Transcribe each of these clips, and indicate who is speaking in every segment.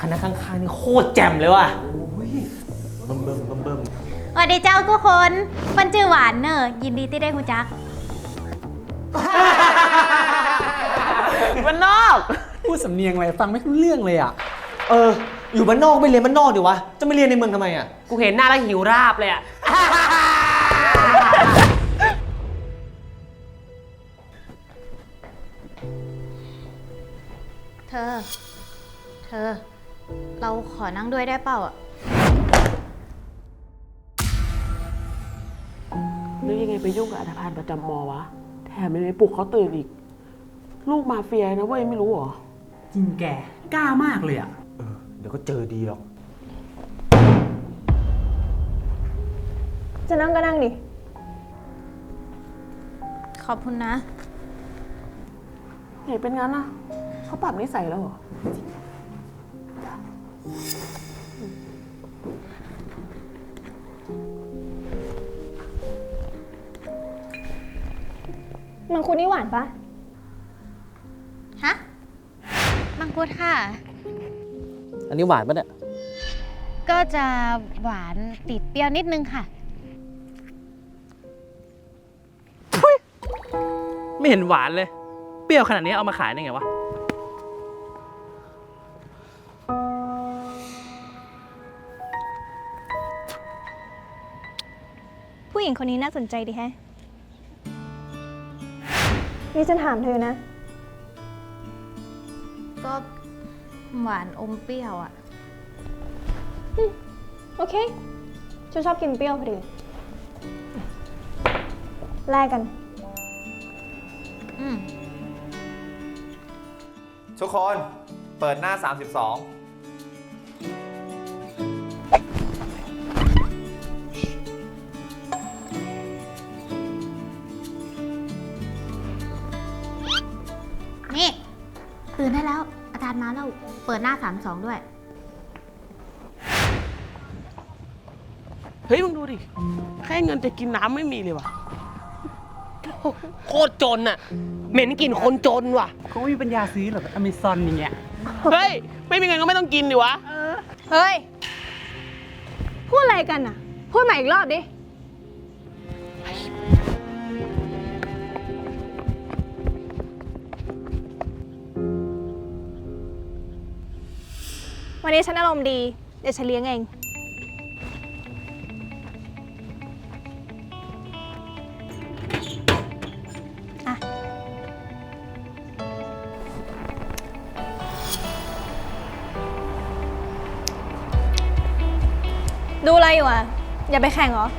Speaker 1: ณะข้างๆนี่โคตรแจ่มเลยว่ะ
Speaker 2: เบิ่ม
Speaker 3: สวัสดีเจ้าทุกคนมันชื่อหวานเนอะยินดีที่ได้คุณจัก
Speaker 1: บ้านนอก
Speaker 4: พูดสำเนียงอะไรฟังไม่รู้เรื่องเลยอ่ะ
Speaker 1: อยู่บ้านนอกไม่เรียนบ้านนอกดิวะจะไม่เรียนในเมืองทำไมอ่ะกูเห็นหน้าแล้วหิวราบเลยอ่ะ
Speaker 3: เธอเราขอนั่งด้วยได้เปล่าอ่ะ
Speaker 5: นึกยังไงไปยุ่งกับอัฐพาลประจำมอวะแถมยังไปปลุกเขาตื่นอีกลูกมาเฟียนะเว้ยไม่รู้เหรอ
Speaker 4: จริงแกกล้ามากเลยอ่ะ
Speaker 2: เดี๋ยวก็เจอดีหรอก
Speaker 6: จะนั่งก็นั่งดิ
Speaker 3: ขอบคุณนะ
Speaker 5: ไหนเป็นงั้นอะเขาปรับนิสัยแล้วเหรอ
Speaker 6: มังคุดนี่หวานปะ
Speaker 3: ฮะมังคุดค่ะ
Speaker 1: อันนี้หวานปะเนี่ย
Speaker 3: ก็จะหวานติดเปรี้ยวนิดนึงค่ะ
Speaker 7: ไม่เห็นหวานเลยเปรี้ยวขนาดนี้เอามาขายได้ไงวะ
Speaker 6: ผู้หญิงคนนี้น่าสนใจดีแฮะนี่ฉันถามเธอนะ
Speaker 3: ก็หวานอมเปรี้ยวอ่ะ
Speaker 6: โอเค ฉันชอบกินเปรี้ยวพอดีแลกกัน
Speaker 2: ทุกคนเปิดหน้า 32
Speaker 3: นี่ตื่นได้แล้วอาจารย์มาแล้วเปิดหน้า32ด้วย
Speaker 5: เฮ้ยมึงดูดิแค่เงินจะกินน้ำไม่มีเลยวะ
Speaker 1: โคตรจนอ่ะเหม็นกลิ่นคนจนว่ะ
Speaker 4: เขาไม่มีปัญญาซื้อหรอกอเมซอนอย่างเงี้ย
Speaker 5: เฮ้ยไม่มีเงินก็ไม่ต้องกินดิวะ
Speaker 6: เฮ้ย พูดอะไรกันอ่ะ พูดใหม่อีกรอบดิ วันนี้ฉันอารมณ์ดี เดี๋ยวฉันเลี้ยงเอง อ่ะ ดูอะไรอยู่อ่ะ อย่าไปแข่งเหรอ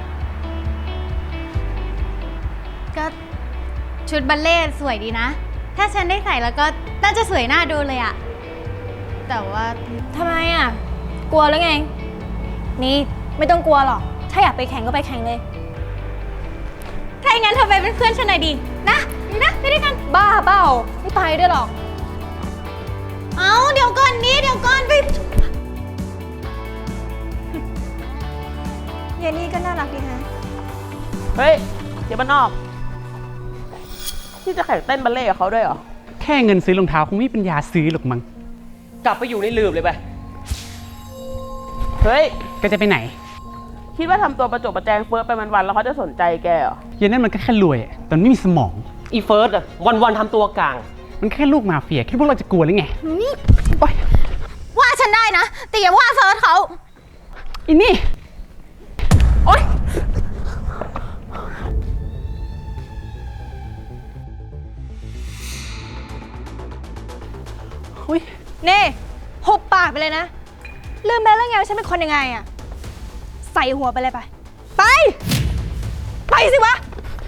Speaker 3: ก็ชุดบัลเล่ต์สวยดีนะ ถ้าฉันได้ใส่แล้วก็น่าจะสวยน่าดูเลยอะแต่ว่า
Speaker 6: ทำไมอ่ะ กลัวแล้วไง นี่ไม่ต้องกลัวหรอก ถ้าอยากไปแข่งก็ไปแข่งเลย
Speaker 3: ถ้าอย่างนั้นเธอไปเป็นเพื่อนฉันหน่อยดินะไปด้วยกัน
Speaker 6: บ้าเปล่าไม่ไปด้วยหรอก
Speaker 3: เอาเดี๋ยวก่อนนี้เดี๋ยวก่อนไป
Speaker 6: เยนนี่ก็น่ารักดีฮะ
Speaker 5: เฮ้ยเดี๋ยวบ้านนอกที่จะแข่งเต้นบัลเล่ต์กับเขาด้วยเหรอ
Speaker 4: แค่เงินซื้อรองเท้าคงไม่มีปัญญาซื้อหรอกมั้ง
Speaker 1: กลับไปอยู่ในลืมเลยไป
Speaker 5: เฮ้ย
Speaker 4: ก็จะไปไหน
Speaker 5: คิดว่าทำตัวประจบประแจงเฟิร์สไปวันๆแล้วเขาจะสนใจแกเหรอ
Speaker 4: เยันนั่นมันก็แค่รวยอะแต่มันไม่มีสมอง
Speaker 1: อีเฟิร์สอ่ะวันๆทำตัวกลาง
Speaker 4: มันแค่ลูกมาเฟียคิดพวกเราจะกลัวหรือไงโอ๊ย
Speaker 3: ว่าฉันได้นะ แต่อย่าว่าเฟิร์สเขา
Speaker 4: อินนี่โอ๊ยอุ๊ย
Speaker 6: นี่หุบปากไปเลยนะ ลืมไปแล้วไงว่าฉันเป็นคนยังไงอะใส่หัวไปเลยไป ไป ไปสิวะ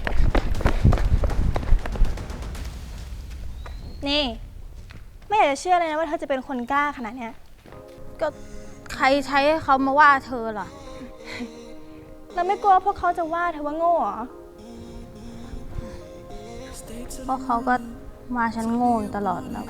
Speaker 6: นี่ ไม่อยากจะเชื่อเลยนะว่าเธอจะเป็นคนกล้าขนาดเนี้ย
Speaker 3: ก็ใครใช้ให้เขามาว่าเธอล่ะ
Speaker 6: เราไม่กลัวพวกเขาจะว่าเธอว่าโง่เหรอ
Speaker 3: เพราะเขาก็มาฉันโง่ตลอดนะ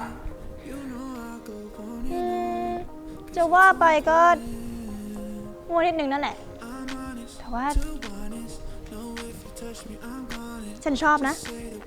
Speaker 6: จะว่าไปก็โง่นิดนึงนั่นแหละ แต่ว่า ฉันชอบนะ
Speaker 3: อ